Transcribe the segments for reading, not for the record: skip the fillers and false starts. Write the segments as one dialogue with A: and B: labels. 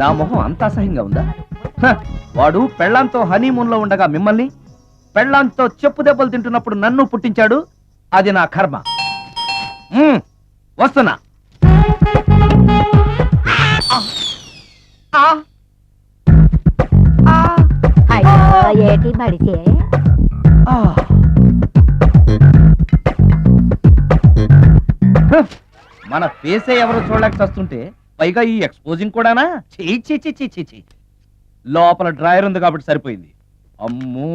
A: నా మొహం అంత అసహ్యంగా ఉందా? వాడు పెళ్ళాంతో హనీమూన్ లో ఉండగా మిమ్మల్ని, పెళ్ళాంతో చెప్పు దెబ్బలు తింటున్నప్పుడు నన్ను పుట్టించాడు. అది నా కర్మ. వస్తున్నా.
B: ఏటి బడితే
A: మన ఫేసే ఎవరో చూడలేక వస్తుంటే పైగా ఈ ఎక్స్పోజింగ్ కూడానా? చీ. లోపల డ్రాయర్ ఉంది కాబట్టి సరిపోయింది. అమ్మో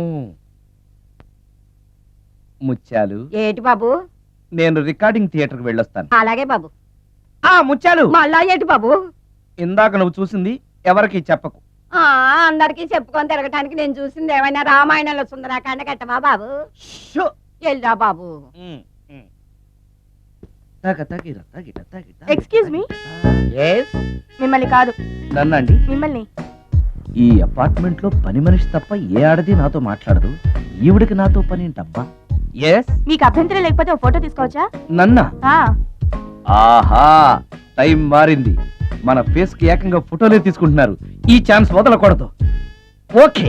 A: ముత్యాలు.
B: ఏటి బాబు?
A: నేను రికార్డింగ్ థియేటర్కి వెళ్ళొస్తాను.
B: అలాగే బాబు.
A: ముత్యాలు,
B: మళ్ళా ఏటి బాబు?
A: ఇందాక నువ్వు చూసింది ఎవరికి చెప్పకు.
B: అందరికి చెప్పుకొని తిరగటానికి నేను చూసింది ఏమైనా రామాయణంలో సుందరాకాండ కట్టవా బాబు? వెళ్ళా బాబు.
C: Excuse me. మిమ్మల్ని కాదు.
A: నన్నండి?
C: మిమ్మల్ని.
A: ఈ అపార్ట్మెంట్ లో పని మనిషి తప్ప ఏ ఆడది నాతో మాట్లాడదు. ఈవిడికి నాతో పని ఏంటబ్బా?
C: మీకు అభ్యంతరం లేకపోతే ఒక ఫోటో తీసుకోవచ్చా?
A: నన్నా? ఆహా, టైం మారింది. మన ఫేస్ కి ఏకంగా ఫోటోలే తీసుకుంటున్నారు. ఈ ఛాన్స్ వదలకూడదు. ఓకే.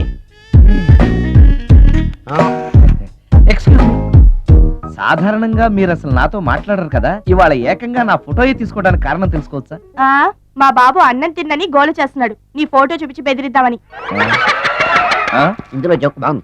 A: Excuse me. సాధారణంగా మీరు అసలు నాతో మాట్లాడరు కదా, ఇవాళ ఏకంగా నా ఫోటోయే తీసుకోవడానికి కారణం తెలుసుకోవచ్చా?
C: మా బాబు అన్నం తిన్నని గోల చేస్తున్నాడు, నీ ఫోటో చూపించి బెదిరిద్దామని.
D: ఇందులో జోక్ బాగుంది.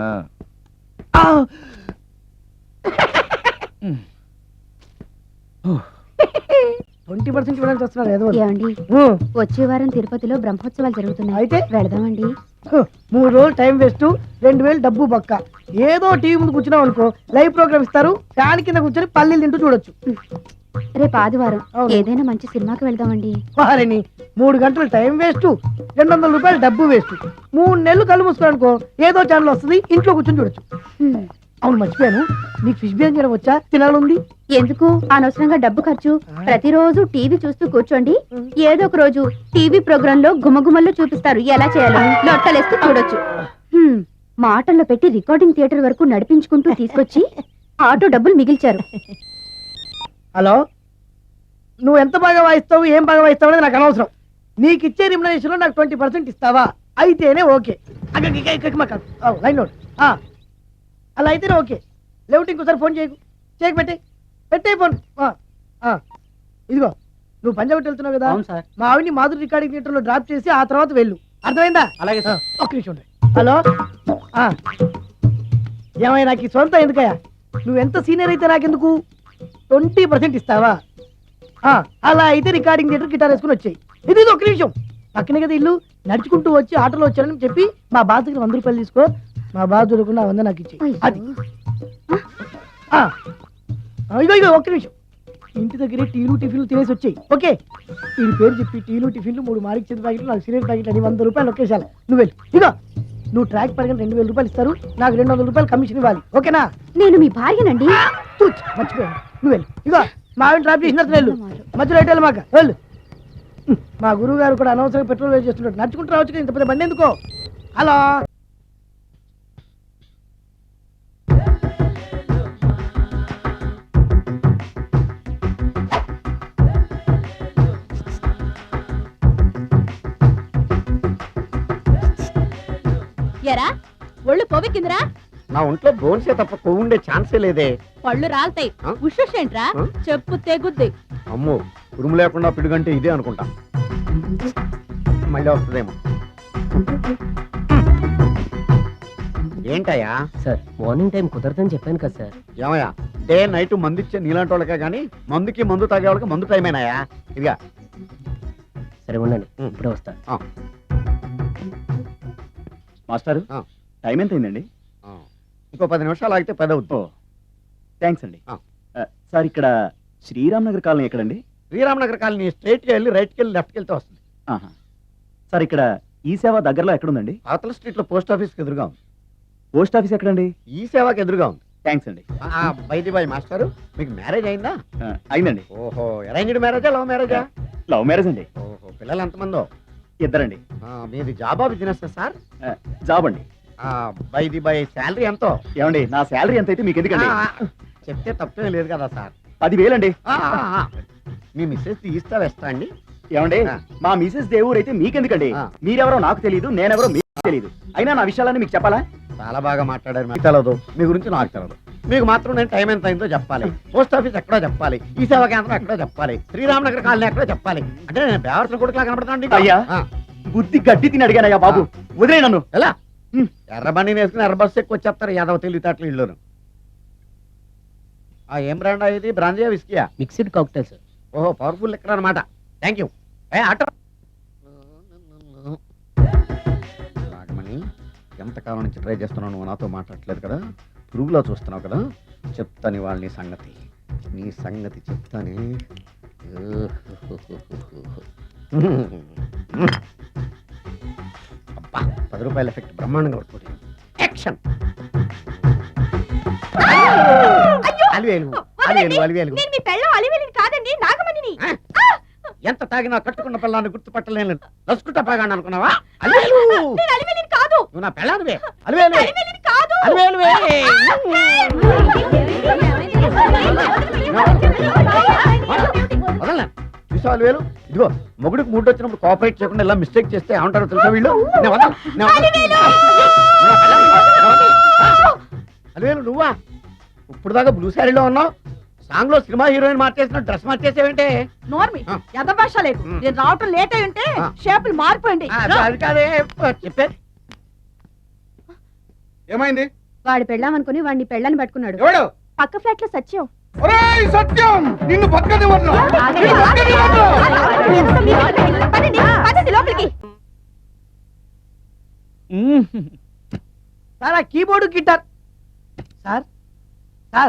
E: 20% ఇవ్వడానికి వస్తున్నారు ఏదో.
B: ఏమండి, వచ్చే వారం తిరుపతిలో బ్రహ్మోత్సవాలు జరుగుతున్నాయి.
E: అయితే
B: వెళదామండి.
E: 3 రోజులు టైం వేస్ట్, 2000 డబ్బు బొక్క. ఏదో టీవీ ముందు కూర్చున్నాం అనుకో, లైవ్ ప్రోగ్రామ్ ఇస్తారు, ఫ్యాన్ కింద కూర్చొని పల్లీలు తింటూ చూడొచ్చు.
B: రేపు ఆదివారం ఏదైనా మంచి సినిమాకి వెళ్దామండి.
E: వారిని 3 గంటలు టైం వేస్ట్, 200 రూపాయలు డబ్బు వేస్ట్. 3 నెలలు కళ్ళు మూసుకో అనుకో, ఏదో ఛానల్ వస్తుంది, ఇంట్లో కూర్చొని చూడొచ్చు. అవును, మర్చిపోయాను, నీకు ఫిష్ బిర్యానీ చేయడం వచ్చా? తినాలంది.
B: ఎందుకు అనవసరంగా డబ్బు ఖర్చు? ప్రతిరోజు టీవీ చూస్తూ కూర్చోండి, ఏదో ఒక రోజు టీవీ ప్రోగ్రామ్ లో గుమగుమల్లో చూపిస్తారు ఎలా చేయాలో. లొట్టలేస్తూ చూడొచ్చు. మాటల్లో పెట్టి రికార్డింగ్ థియేటర్ వరకు నడిపించుకుంటూ తీసుకొచ్చి ఆటో డబ్బులు మిగిల్చారు.
E: హలో, నువ్వు ఎంత బాగా వాయిస్తావు, ఏం బాగా వాయిస్తావు అనేది నాకు అనవసరం. నీకు ఇచ్చే రిమ్యునరేషన్ లో నాకు 20% ఇస్తావా? అయితేనే ఓకే. Line note. అలా అయితేనే ఓకే. లేవుటి ఇంకోసారి ఫోన్ చేయకు, పెట్టే ఫోన్. ఇదిగో, నువ్వు పంజాబ్ వెళ్తున్నావు కదా, మా ఆవిడ్ని మాధురి రికార్డింగ్ థియేటర్ లో డ్రాప్ చేసి ఆ తర్వాత వెళ్ళు. అర్థమైందా?
A: అలాగే సార్.
E: ఒక్క నిమిషం ఉండండి. హలో, ఏమైనా నాకు సొంత ఎందుకయ్యా? నువ్వెంత సీనియర్ అయితే నాకెందుకు? 20% ఇస్తావా? అలా అయితే రికార్డింగ్ థియేటర్ గిటార్ వేసుకుని వచ్చాయి. ఇది ఒక్క నిమిషం, పక్కనే కదా ఇల్లు, నడుచుకుంటూ వచ్చి ఆటోలో వచ్చానని చెప్పి మా బాధ దగ్గర 100 రూపాయలు తీసుకో. మా బాధ దొరకకుండా 100 నాకు ఇచ్చి. అది ఇగో ఒక్క నిమిషం, ఇంటి దగ్గరే టీలు టిఫిన్లు తినేసి వచ్చాయి. ఓకే, వీడి పేరు చెప్పి టీలు టిఫిన్లు 3 మారికి చేతి ప్యాకెట్లు, నాకు సిగరెట్ ప్యాకెట్ అని 100 రూపాయలు ఒకేసారి. నువ్వు వెళ్ళి ఇగో, నువ్వు ట్రాక్ పడగానే 2000 రూపాయలు ఇస్తారు, నాకు 200 రూపాయలు కమిషన్ ఇవ్వాలి. ఓకేనా?
B: నేను మీ భార్యనండి.
E: మర్చిపోయాను, నువ్వు వెళ్ళి ఇగో, మా ఆవిడ డ్రాప్ చేసిన వెళ్ళు, మధ్యలో ఎటు మాకు వెళ్ళు. మా గురువు గారు కూడా అనవసరంగా పెట్రోల్ వేస్ట్ చేస్తున్నాడు, నడుచుకుంటూ రావచ్చు, ఇంత పెద్ద బండి ఎందుకో. హలో,
C: ఎరా ఒళ్ళు కొవ్వెక్కిందిరా?
D: నా ఒంట్లో బోన్సే తప్ప కొవ్వు ఉండే ఛాన్సే లేదే.
C: పళ్ళు రాల్తాయి. ఉషేంట్రా, చెప్పు తెగుద్ది.
D: అమ్మో, ఉరుము లేకుండా పిడుగంటే ఇదే అనుకుంటా. మళ్ళీ వస్తుందేమో. ఏంటయ్యా?
F: సార్, మార్నింగ్ టైం కుదరదని చెప్పాను కదా సార్.
D: ఏమయ్యా, డే నైట్ మందు ఇచ్చే నీలాంటి వాళ్ళకే కానీ మందుకి మందు తాగే వాళ్ళకి మందు టైం అయినాయా? ఇదిగా
F: సరే ఉండండి, ఇప్పుడే వస్తా.
A: మాస్టారు, టైం ఎంత అయిందండి?
D: ఇంకో 10 నిమిషాలు ఆగితే 10 అవుతుంది.
A: థ్యాంక్స్ అండి. సార్, ఇక్కడ శ్రీరామ్ నగర్ కాలనీ ఎక్కడండి?
D: శ్రీరామ్ నగర్ కాలనీ స్ట్రైట్కి వెళ్ళి రైట్కి వెళ్ళి లెఫ్ట్కి వెళ్తే వస్తుంది.
A: సార్, ఇక్కడ ఈ సేవ దగ్గరలో ఎక్కడుందండి?
D: అవతల స్ట్రీట్ లో పోస్ట్ ఆఫీస్కి ఎదురుగా ఉంది.
A: పోస్ట్ ఆఫీస్ ఎక్కడండి?
D: ఈ సేవకి ఎదురుగా ఉంది.
A: థ్యాంక్స్ అండి.
D: బైది బాయ్ మాస్టారు, మీకు మ్యారేజ్ అయిందా?
A: అయిందండి.
D: ఓహో, అరేంజ్డ్ మ్యారేజా లవ్ మ్యారేజా?
A: లవ్ మ్యారేజ్ అండి.
D: ఓహో, పిల్లలు ఎంతమందో?
A: 2 అండి.
D: మీది జాబా బిజినెస్ సార్?
A: జాబ్ అండి.
D: బైది బై శాలరీ ఎంతో?
A: ఏమండి, నా శాలరీ ఎంత అయితే మీకు ఎందుకండి?
D: చెప్తే తప్పేం లేదు కదా సార్.
A: 10,000 అండి.
D: మీ మిస్సెస్ తీస్తా వేస్తా అండి?
G: ఏమండి
D: ఆ.
G: మా మిసెస్ దేవూర్ అయితే మీకెందుకండి
D: ఆ.
G: మీరెవరో నాకు తెలియదు నేనెవరో మీకు తెలియదు అయినా నా విషయాలన్నీ మీకు చెప్పాలా
D: చాలా బాగా మాట్లాడారు. మీకు తెలదు, మీ గురించి నాకు తెలదు. మీకు మాత్రం నేను టైం ఎంత అయిందో చెప్పాలి, పోస్ట్ ఆఫీస్ ఎక్కడో చెప్పాలి, ఈ సేవా కేంద్రం ఎక్కడో చెప్పాలి, శ్రీరామనగర్ కాలనీ ఎక్కడో చెప్పాలి. అంటే నేను బేవర్సన కొడుకులా కనపడతాను.
G: అయ్యా. బుద్ధి గడ్డి తిని అడిగానయ్యా బాబు వదిలే నన్ను
D: ఎలా ఎర్ర బండి వేసుకుని ఎర్ర బస్సు ఎక్కువ వచ్చేస్తారు యాదవ తెలివితేటలు ఇల్లును. ఏం బ్రాండ్ ఇది? బ్రాంజియా విస్కియా?
F: Mixed cocktail sir.
D: ఓహో, పవర్ఫుల్ ఎక్కడ అనమాట. Thank you. ఆటో నాగమణి, ఎంతకాలం నుంచి ట్రై చేస్తున్నావు, నువ్వు నాతో మాట్లాడట్లేదు కదా, పురుగులో చూస్తున్నావు కదా, చెప్తాను వాళ్ళ నీ సంగతి చెప్తానే. అబ్బా, 10 రూపాయల ఎఫెక్ట్ బ్రహ్మాండంగా పడుతుంది. యాక్షన్. అలివేలు అలివేలు అలివేలు.
C: నేను మీ పెళ్ళం అలివేలిని కాదండి నాగమణిని.
D: ఎంత తాగినా కట్టుకున్న పిల్లాన్ని గుర్తుపట్టలేను నసుకుంటా పాగాను అనుకున్నావా? అలివేలు,
C: నేను అలివేలిని కాదు.
D: నువ్వు నా పిల్లానివే. అలివేలు
C: అలివేలిని కాదు.
D: అలివేలువే. వదలనా? చూసావా అలివేలు? ఇదిగో మొగుడికి మూడు వచ్చినప్పుడు కోఆపరేట్ చేయకుండా ఇలా మిస్టేక్ చేస్తే ఏమంటారో తెలుసా వీళ్ళు? నేను వదలను, నేను వదలను. నువ్వు నా పిల్లానివి. నేను వదలను. అలివేలు నువ్వా? ఇప్పుడు దాకా బ్లూ శారీలో ఉన్నావు, సాంగ్ లో సినిమా హీరోయిన్ మార్చేసిన డ్రెస్ మార్చేసేవేంటే?
C: నోర్మి
D: ఆ.
C: యథభాష లేదు.
D: ఉమ్.
C: నేను రావటం లేట్ అయి ఉంటే
D: ఆ.
C: షేపులు మారిపోయింది.
D: అది కాదే చెప్పేది.
G: ఏమైంది
B: వాడి పెళ్ళాం అనుకుని వాడిని పెళ్ళని పట్టుకున్నాడు.
G: ఎవడు
C: పక్క ఫ్లాట్ లో సత్యం.
G: ఒరేయ్ సత్యం నిన్ను పక్కనే వదలను.
C: ఆగండి,
G: నిన్ను పక్కనే
C: ఆగండి.
G: వదలను.
C: పదండి, పదండి లోపలికి.
E: సార్ ఆ కీబోర్డు గిటార్ సార్ సార్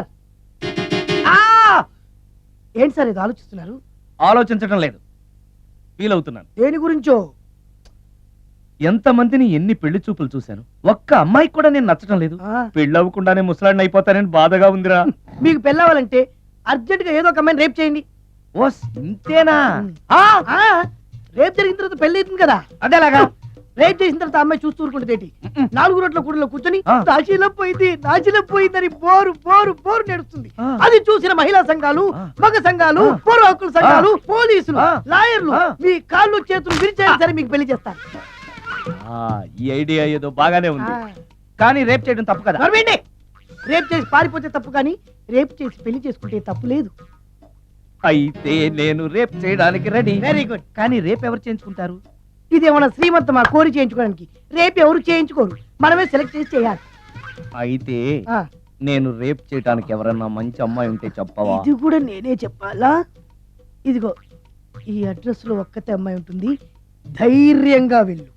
E: ఏంటి సార్ ఇది ఆలోచిస్తున్నారు?
A: ఆలోచించడం లేదు, ఫీల్ అవుతున్నాను.
E: దేని గురించో?
A: ఎంతమందిని ఎన్ని పెళ్లి చూపులు చూశాను, ఒక్క అమ్మాయికి కూడా నేను నచ్చడం లేదు.
E: ఆ,
A: పెళ్ళి అవ్వకుండానే ముసలాడిని అయిపోతానని బాధగా ఉందిరా.
E: మీకు పెళ్ళావాలంటే అర్జెంట్ గా ఏదో ఒక అమ్మాయిని రేప్ చేయండి.
A: ఓ ఇంతేనా?
E: ఆ, రేప్ జరిగిన తర్వాత పెళ్లి అవుతుంది కదా,
A: అదేలాగా
E: రేప్ చేసిన తర్వాత ఆ అమ్మాయి చూస్తూ ఊరుకుంటుంది. 4 రోడ్ల కూడలో కూర్చొని
A: ఆ.
E: నాశిలపోయిందని బోరు బోరు బోరు నడుస్తుంది.
A: ఆ.
E: అది చూసిన మహిళా సంఘాలు,
A: ఆ.
E: మగ సంఘాలు,
A: ఆ.
E: పౌర హక్కుల సంఘాలు, పోలీసులు,
A: ఆ.
E: లాయర్లు
A: ఆ.
E: మీ కాళ్ళు చేతులు విరిచేసి సరే మీకు పెళ్లి చేస్తారు.
A: ఈ ఐడియా ఏదో బాగానే ఉంది,
E: ఆ.
A: కానీ రేప్ చేయడం తప్పు కదా.
E: నడవండి. రేప్ చేసి పారిపోతే తప్పు, కానీ రేప్ చేసి పెళ్లి చేసుకుంటే తప్పు లేదు.
A: అయితే నేను రేప్ చేయడానికి రెడీ.
E: Very good.
A: కానీ రేప్ ఎవరు చేయించుకుంటారు?
E: ఇదేమన్నా శ్రీమంతం మా కోరి చేయించుకోవడానికి? రేపు ఎవరు చేయించుకోరు, మనమే సెలెక్ట్ చేసి చేయాలి.
A: అయితే
E: ఆ,
A: నేను రేప్ చేయడానికి ఎవరన్నా మంచి అమ్మాయి ఉంటే చెప్పవా?
E: ఇది కూడా నేనే చెప్పాలా? ఇదిగో ఈ అడ్రస్ లో ఒక్కతే అమ్మాయి ఉంటుంది, ధైర్యంగా వెళ్ళు.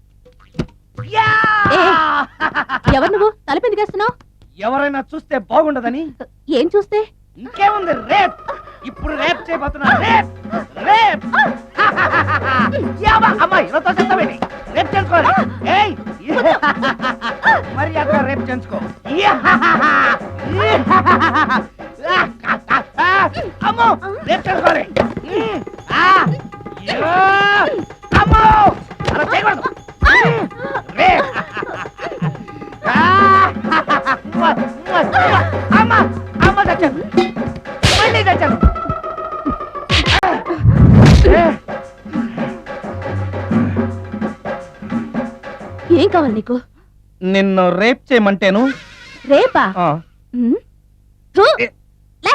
B: ఎవరు నువ్వు తలపెందుకేస్తున్నావు?
A: ఎవరైనా చూస్తే బాగుండదని.
B: ఏం చూస్తే?
A: ఇంకేముంది, రేప్. ఇప్పుడు రేప్ చేయబోతున్నా. Rape rape. యావా, అమ్మాయి నాతో చెప్తావేంటి? రేప్ చేసుకోవాలి. ఏయ్ మరి అక్కడ రేప్ చేసుకో. అమ్మో, రేప్ చేసుకోవాలి. అమ్మో, అలా చేయకూడదు. రేప్. అమ్మ అమ్మ చచ్చాను, మళ్ళీ చచ్చాను.
B: ఏం కావాలి నీకు?
A: నిన్ను రేప్ చేయమంటేను.
B: రేపా?
A: ఆ,
B: ఉమ్. థు, లే.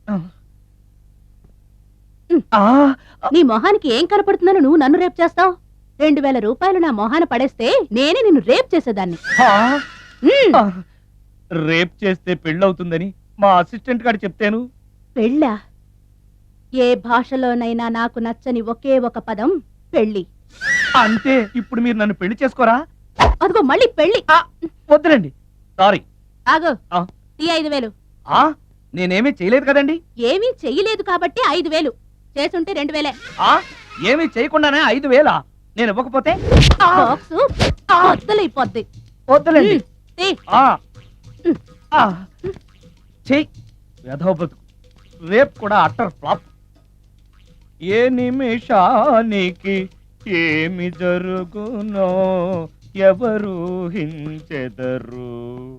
A: ఆ,
B: నీ మొహానికి ఏం కనపడుతుందని నువ్వు నన్ను రేప్ చేస్తావు? 2000 రూపాయలు నా మొహాన పడేస్తే నేనే నిన్ను రేప్ చేసేదాన్ని.
A: ఆ,
B: ఉమ్.
A: ఆ. రేప్ చేస్తే పెళ్ళవుతుందని మా అసిస్టెంట్ గారు చెప్తాను.
B: పెళ్ళా? ఏ భాషలోనైనా నాకు నచ్చని ఒకే ఒక పదం పెళ్ళి.
A: అంటే ఇప్పుడు మీరు నన్ను పెళ్లి చేసుకోరా?
B: అదిగో మళ్ళీ పెళ్ళి.
A: వద్దులండి, సారీ.
B: ఆగో,
A: ఆ.
B: ఈ 5000.
A: నేనేమీ చేయలేదు కదండి.
B: ఏమీ చెయ్యలేదు కాబట్టి 5000, చేసుంటే 2000.
A: ఏమీ చేయకుండానే 5,000 నేను ఇవ్వకపోతే?
B: బాక్సు బద్దలైపోద్ది.
A: వద్దులండి.
B: తీ.
A: చెయ్యి, వెధవ బతుకు. రేప్ కూడా అట్టర్ ఫ్లాప్. ఏ నిమిషానికి ఏమి జరుగునో ఎవరు హించెదరు.